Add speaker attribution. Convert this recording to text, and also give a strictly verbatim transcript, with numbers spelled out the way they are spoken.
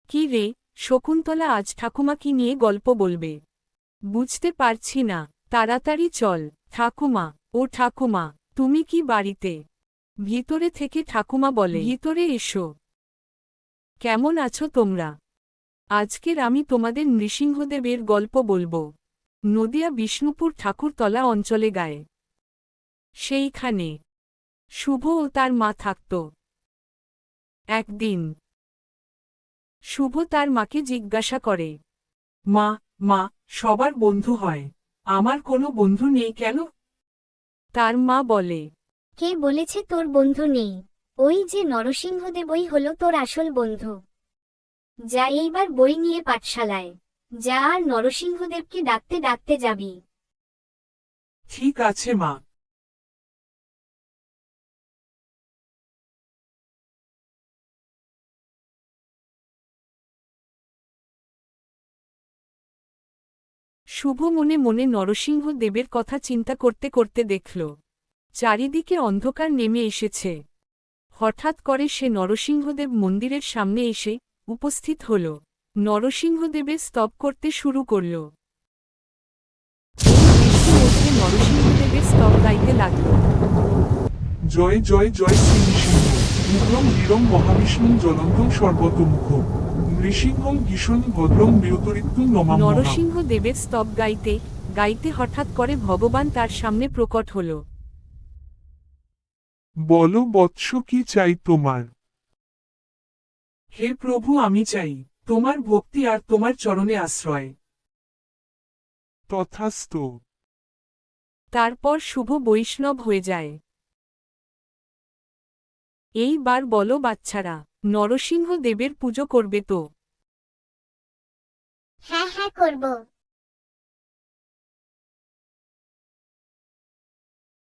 Speaker 1: কি রে শকুন্তলা, আজ ঠাকুমা কি নিয়ে গল্প বলবে? বুঝতে পারছি না, তাড়াতাড়ি চল। ঠাকুমা, ও ঠাকুমা, তুমি কি বাড়িতে? ভিতরে থেকে ঠাকুমা বলে, ভিতরে এসো। কেমন আছো তোমরা? আজকের আমি তোমাদের নৃসিংহদেবের গল্প বলবো। নদিয়া বিষ্ণুপুর ঠাকুরতলা অঞ্চলে গায়ে সেইখানে শুভ ও তার মা থাকত। একদিন শুভ তার মাকে জিজ্ঞাসা করে,
Speaker 2: মা, মা, সবার বন্ধু হয়, আমার কোনো বন্ধু নেই কেন?
Speaker 1: তার মা বলে,
Speaker 3: কে বলেছে তোর বন্ধু নেই? ওই যে নরসিংহদেবই হলো তোর আসল বন্ধু। যা এইবার বই নিয়ে পাঠশালায় যা, আর নরসিংহদেবকে ডাকতে ডাকতে যাবি।
Speaker 2: ঠিক আছে মা।
Speaker 1: শুভ মনে মনে নরসিংহ দেবের কথা চিন্তা করতে করতে দেখল চারিদিকে অন্ধকার নেমে এসেছে। হঠাৎ করে সে নরসিংহদেব মন্দিরের সামনে এসে উপস্থিত হল। নরসিংহদেবের স্তব করতে শুরু করল। বৃষ্টির মধ্যে নরসিংহদেবের স্তব গাইতে লাগল।
Speaker 2: জয় জয় জয় শ্রী নৃসিংহ, উগ্রম বীরম মহাবিষ্ণুম জ্বলন্তম সর্বতোমুখ, নৃসিংহম ভীষণ ভদ্রম বীরতরিত্যুম নমাম্যহা।
Speaker 1: নরসিংহ দেবের স্তব গাইতে গাইতে হঠাৎ করে ভগবান তার সামনে প্রকট হল।
Speaker 2: বলো বৎস, কি চাই তোমার? হে প্রভু, আমি চাই তোমার ভক্তি আর তোমার চরণে আশ্রয়। তথাস্তু।
Speaker 1: তারপর শুভ বৈষ্ণব হয়ে যায়। এইবার বলো বাচ্চারা, নরসিংহ দেবের পুজো করবে তো?
Speaker 3: হ্যাঁ হ্যাঁ করব।